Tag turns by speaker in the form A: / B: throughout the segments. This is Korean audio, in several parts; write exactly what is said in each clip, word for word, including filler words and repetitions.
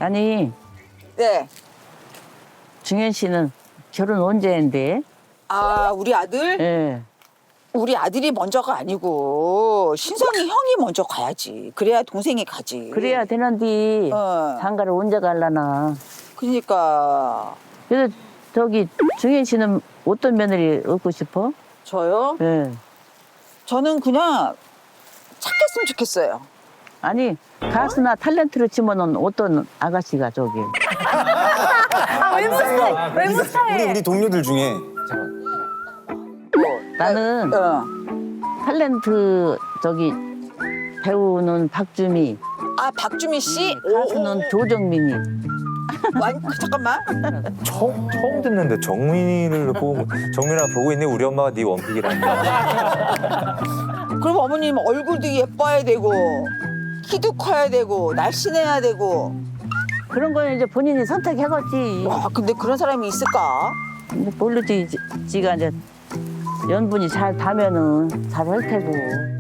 A: 아니,
B: 네.
A: 중현 씨는 결혼 언제 한대?
B: 아, 우리 아들?
A: 예.
B: 우리 아들이 먼저가 아니고 신성이 형이 먼저 가야지. 그래야 동생이 가지.
A: 그래야 되는데
B: 어.
A: 장가를 언제 갈라나.
B: 그러니까
A: 그래서 저기 중현 씨는 어떤 며느리 얻고 싶어?
B: 저요?
A: 예.
B: 저는 그냥 착했으면 좋겠어요.
A: 아니, 가수나 탤런트로 치면은 어떤 아가씨가 저기.
C: 아, 외모 스타일. 외모
D: 우리
C: 스타일.
D: 우리 동료들 중에
A: 나는
B: 어.
A: 탤런트 저기 배우는 박주미,
B: 아, 박주미 씨?
A: 가수는 조정민이.
B: 완, 잠깐만.
E: 처음, 처음 듣는데 정민이를 보고 정민아 보고 있네 우리 엄마가 네 원픽이라는
B: 그럼 어머님 얼굴도 예뻐야 되고 키도 커야 되고 날씬해야 되고.
A: 그런 거는 이제 본인이 선택해갔지.
B: 와, 근데 그런 사람이 있을까?
A: 근데 모르지, 지- 지가 이제 연분이 잘 닿으면은 잘 할 테고.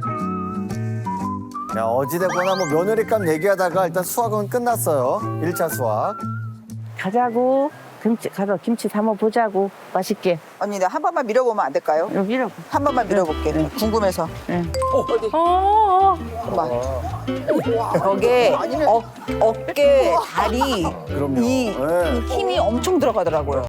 D: 야, 어찌됐거나 뭐 며느리감 얘기하다가 일단 수학은 끝났어요. 일 차 수학.
A: 가자고. 김치, 가서 김치 담아 보자고. 맛있게.
B: 언니, 나 한 번만 밀어보면 안 될까요?
A: 여기 이러고.
B: 한 번만 밀어볼게. 궁금해서.
A: 예.
B: 어디?
C: 어, 어.
B: 잠깐만. 저게 어, 어깨, 다리
D: 그럼요.
B: 이,
D: 네.
B: 이 힘이 엄청 들어가더라고요.